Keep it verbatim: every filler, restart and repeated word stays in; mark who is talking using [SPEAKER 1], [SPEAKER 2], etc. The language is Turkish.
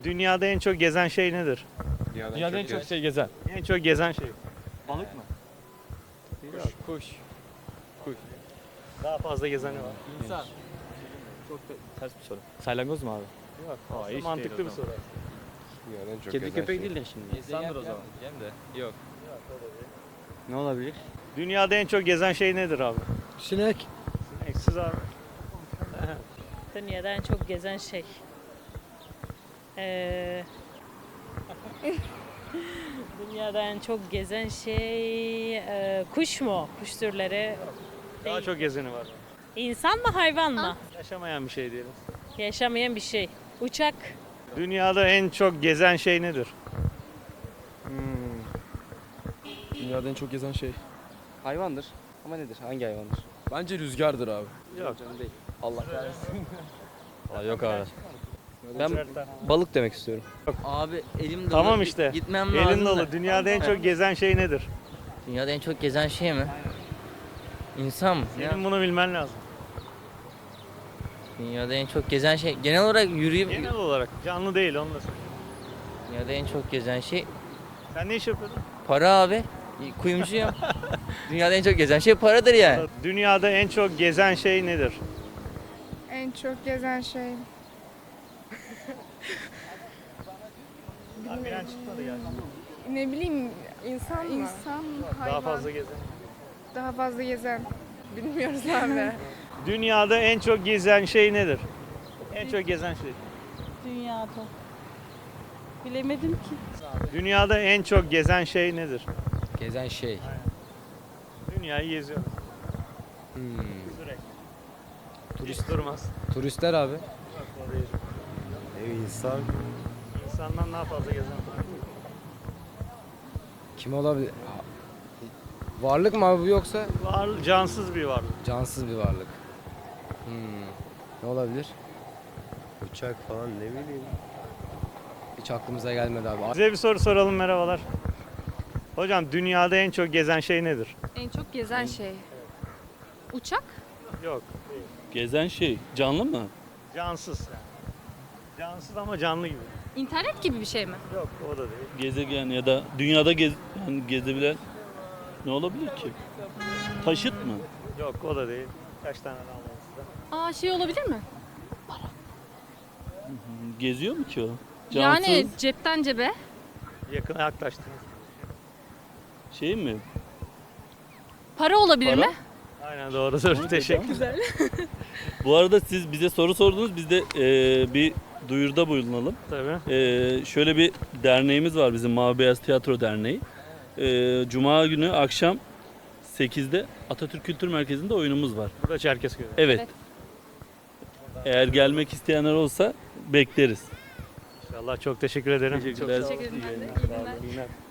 [SPEAKER 1] Dünyada en çok gezen şey nedir?
[SPEAKER 2] Dünyadan,
[SPEAKER 3] Dünyada en çok
[SPEAKER 2] gez-
[SPEAKER 3] şey gezen.
[SPEAKER 1] En çok gezen şey.
[SPEAKER 3] Balık mı?
[SPEAKER 1] Yok.
[SPEAKER 3] Kuş. Kuş.
[SPEAKER 1] Daha fazla gezeni var.
[SPEAKER 3] İnsan. Çok da ters bir soru. Salyangoz mu abi?
[SPEAKER 1] Yok.
[SPEAKER 3] Aa,
[SPEAKER 1] Aslında
[SPEAKER 3] hiç
[SPEAKER 1] mantıklı
[SPEAKER 3] değil o
[SPEAKER 1] bir soru.
[SPEAKER 2] Dünyadan en çok
[SPEAKER 4] Kedi
[SPEAKER 2] gezen
[SPEAKER 4] köpek
[SPEAKER 2] şey.
[SPEAKER 4] değil de şimdi.
[SPEAKER 3] İnsandır o zaman.
[SPEAKER 4] Diyeceğim de. Yok. Ne olabilir?
[SPEAKER 1] Dünyada en çok gezen şey nedir abi?
[SPEAKER 5] Sinek.
[SPEAKER 1] Eksiz abi.
[SPEAKER 6] Dünyada en çok gezen şey. Ee, Dünyada en çok gezen şey e, kuş mu? Kuş türleri.
[SPEAKER 1] Daha
[SPEAKER 6] Değil.
[SPEAKER 1] çok gezeni var.
[SPEAKER 6] İnsan mı hayvan mı?
[SPEAKER 1] Yaşamayan bir şey diyelim.
[SPEAKER 6] Yaşamayan bir şey. Uçak.
[SPEAKER 1] Dünyada en çok gezen şey nedir?
[SPEAKER 5] Dünyada en çok gezen şey.
[SPEAKER 4] Hayvandır. Ama nedir? Hangi hayvandır?
[SPEAKER 5] Bence rüzgardır abi.
[SPEAKER 1] Yok.
[SPEAKER 4] Allah kahretsin. Aa, yok abi.
[SPEAKER 1] Ben
[SPEAKER 4] Ben balık demek istiyorum.
[SPEAKER 7] Abi elim dolu.
[SPEAKER 1] Tamam işte.
[SPEAKER 7] Gitmem lazım.
[SPEAKER 1] Elin
[SPEAKER 7] da.
[SPEAKER 1] dolu. Dünyada en çok gezen şey nedir?
[SPEAKER 7] Dünyada en çok gezen şey mi? İnsan mı? Ya,
[SPEAKER 1] Senin bunu bilmen lazım.
[SPEAKER 7] dünyada en çok gezen şey. Genel olarak yürüyüp...
[SPEAKER 1] Genel olarak. Canlı değil onu da söyle.
[SPEAKER 7] Dünyada en çok gezen şey
[SPEAKER 1] Sen ne iş yapıyordun?
[SPEAKER 7] para abi. Kuyumcuyum. Dünyada en çok gezen şey paradır yani.
[SPEAKER 1] Dünyada en çok gezen şey nedir?
[SPEAKER 8] En çok gezen şey.
[SPEAKER 1] Abi bilen çıkmadı yani.
[SPEAKER 8] Ne bileyim insan mı? İnsan, hayvan.
[SPEAKER 1] Daha fazla gezen.
[SPEAKER 8] Daha fazla gezen. Bilmiyoruz abi.
[SPEAKER 1] Dünyada en çok gezen şey nedir? En çok gezen şey.
[SPEAKER 6] Dünyada. Bilemedim ki.
[SPEAKER 1] Dünyada en çok gezen şey nedir?
[SPEAKER 4] Gezen şey.
[SPEAKER 1] Dünyayı geziyor.
[SPEAKER 4] Hmm.
[SPEAKER 1] Sürekli. Turist durmaz.
[SPEAKER 4] Turistler abi.
[SPEAKER 1] Yok, o değil.
[SPEAKER 2] Ev insan.
[SPEAKER 1] İnsandan daha fazla gezen var.
[SPEAKER 9] Kim olabilir? Varlık mı abi bu yoksa
[SPEAKER 1] Var, cansız bir varlık.
[SPEAKER 9] cansız bir varlık? Hmm. Ne olabilir?
[SPEAKER 2] Uçak falan ne bileyim.
[SPEAKER 9] Hiç aklımıza gelmedi abi.
[SPEAKER 1] Size bir soru soralım, merhabalar. Hocam dünyada en çok gezen şey nedir?
[SPEAKER 8] En çok gezen şey. Uçak?
[SPEAKER 1] Yok.
[SPEAKER 10] Gezen şey canlı mı?
[SPEAKER 1] Cansız yani. Cansız ama canlı gibi.
[SPEAKER 8] İnternet gibi bir şey mi?
[SPEAKER 1] Yok, o da değil.
[SPEAKER 10] Gezegen ya da dünyada gez, yani gezebilen ne olabilir ki? Taşıt mı?
[SPEAKER 1] Yok, o da değil. Kaç tane daha var sizde?
[SPEAKER 8] Aa şey olabilir mi?
[SPEAKER 10] Geziyor mu ki o?
[SPEAKER 8] Yani
[SPEAKER 10] Cansız
[SPEAKER 8] cepten cebe.
[SPEAKER 1] Yakına yaklaştınız.
[SPEAKER 10] şey mi?
[SPEAKER 8] Para olabilir
[SPEAKER 10] Para?
[SPEAKER 8] mi?
[SPEAKER 1] Aynen doğrudur. Teşekkürler.
[SPEAKER 10] Bu arada siz bize soru sordunuz. Biz de e, bir duyuruda bulunalım.
[SPEAKER 1] Tabii.
[SPEAKER 10] E, şöyle bir derneğimiz var bizim Mavi Beyaz Tiyatro Derneği. E, Cuma günü akşam sekizde Atatürk Kültür Merkezi'nde oyunumuz var.
[SPEAKER 1] Burada Çerkezköy.
[SPEAKER 10] Evet.
[SPEAKER 8] Evet.
[SPEAKER 10] Eğer gelmek isteyenler olsa bekleriz.
[SPEAKER 1] İnşallah, çok teşekkür ederim.
[SPEAKER 10] Teşekkürler.
[SPEAKER 1] Çok sağ olun.
[SPEAKER 8] Teşekkür ederim ben de. İyi
[SPEAKER 1] Sağ olun,
[SPEAKER 8] günler.
[SPEAKER 1] iyi günler.